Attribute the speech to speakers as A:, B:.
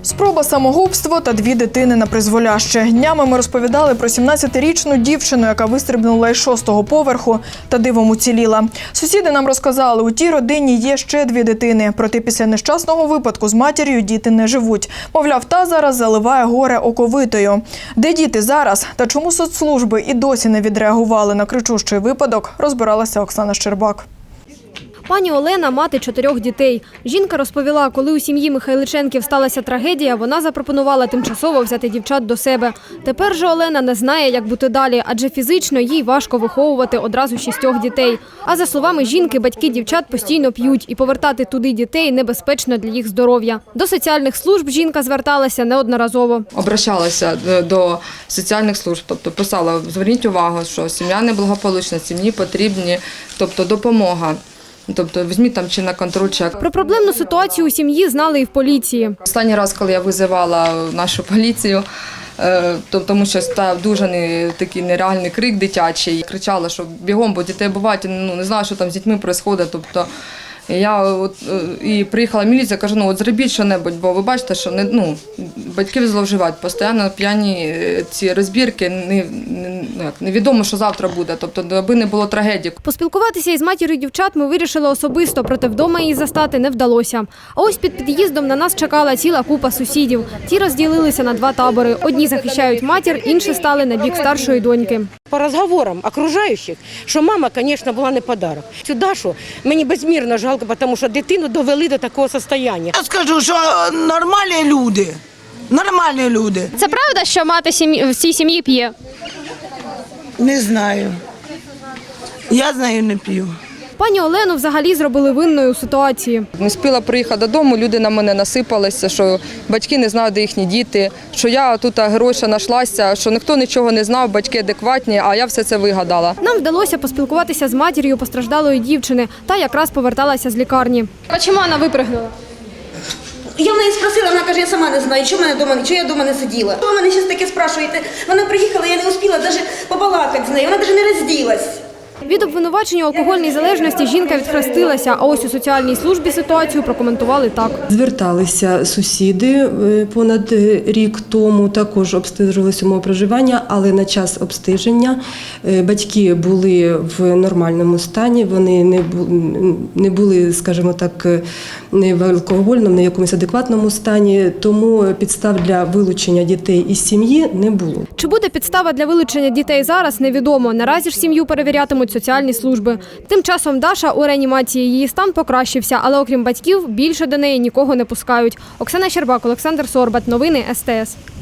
A: Спроба самогубства та 2 дитини на призволяще. Днями ми розповідали про 17-річну дівчину, яка вистрибнула із 6-го поверху та дивом уціліла. Сусіди нам розказали, у тій родині є ще 2 дитини. Проте після нещасного випадку з матір'ю діти не живуть. Мовляв, та зараз заливає горе оковитою. Де діти зараз та чому соцслужби і досі не відреагували на кричущий випадок, розбиралася Оксана Щербак.
B: Пані Олена – мати 4 дітей. Жінка розповіла, коли у сім'ї Михайличенків сталася трагедія, вона запропонувала тимчасово взяти дівчат до себе. Тепер же Олена не знає, як бути далі, адже фізично їй важко виховувати одразу 6 дітей. А за словами жінки, батьки дівчат постійно п'ють, і повертати туди дітей небезпечно для їх здоров'я. До соціальних служб жінка зверталася неодноразово.
C: Обращалася до соціальних служб, тобто писала, зверніть увагу, що сім'я неблагополучна, сім'ї потрібні, тобто допомога. Тобто візьміть там чи на контроль чек.
B: Про проблемну ситуацію у сім'ї знали і в поліції.
C: Останній раз, коли я визивала нашу поліцію, тому що став дуже такий нереальний крик дитячий. Кричала, що бігом, бо дітей бувають, не знаю, що там з дітьми відбувається. Тобто і приїхала міліція, кажу, зробіть що-небудь, бо ви бачите, що батьки зловживають, постійно п'яні ці розбірки, невідомо, що завтра буде, тобто аби не було трагедії.
B: Поспілкуватися із матір'ю дівчат ми вирішили особисто, проте вдома її застати не вдалося. А ось під під'їздом на нас чекала ціла купа сусідів. Ті розділилися на 2 табори. Одні захищають матір, інші стали на бік старшої доньки.
D: По розговорам окружаючих, що мама, звісно, була не подарок. Цю Дашу мені безмірно жалко, тому що дитину довели до такого стану.
E: Я скажу, що нормальні люди. Нормальні люди.
B: Це правда, що мати в цій сім'ї п'є?
E: Не знаю. Я з нею не п'ю.
B: Пані Олену взагалі зробили винною у ситуації.
C: Не встигла приїхати додому, люди на мене насипалися, що батьки не знають, де їхні діти, що я тут гроші знайшлася, що ніхто нічого не знав, батьки адекватні, а я все це вигадала.
B: Нам вдалося поспілкуватися з матір'ю постраждалої дівчини. Та якраз поверталася з лікарні. А чому вона випригнула?
F: Я в неї спросила, вона каже, я сама не знаю, чого я вдома не сиділа. Ви мене зараз таке спрашуєте. Вона приїхала, я не успіла навіть побалакати з нею, вона навіть не розділась.
B: Від обвинувачення у алкогольній залежності жінка відхрестилася, а ось у соціальній службі ситуацію прокоментували так.
G: Зверталися сусіди понад рік тому, також обстежувалися умови проживання, але на час обстеження батьки були в нормальному стані, вони не були, скажімо так, не в алкогольному, не в якомусь адекватному стані, тому підстав для вилучення дітей із сім'ї не було.
B: Чи буде підстава для вилучення дітей зараз, невідомо. Наразі ж сім'ю перевірятимуть соціальні служби. Тим часом Даша у реанімації, її стан покращився, але окрім батьків більше до неї нікого не пускають. Оксана Щербак, Олександр Сорбат. Новини СТС.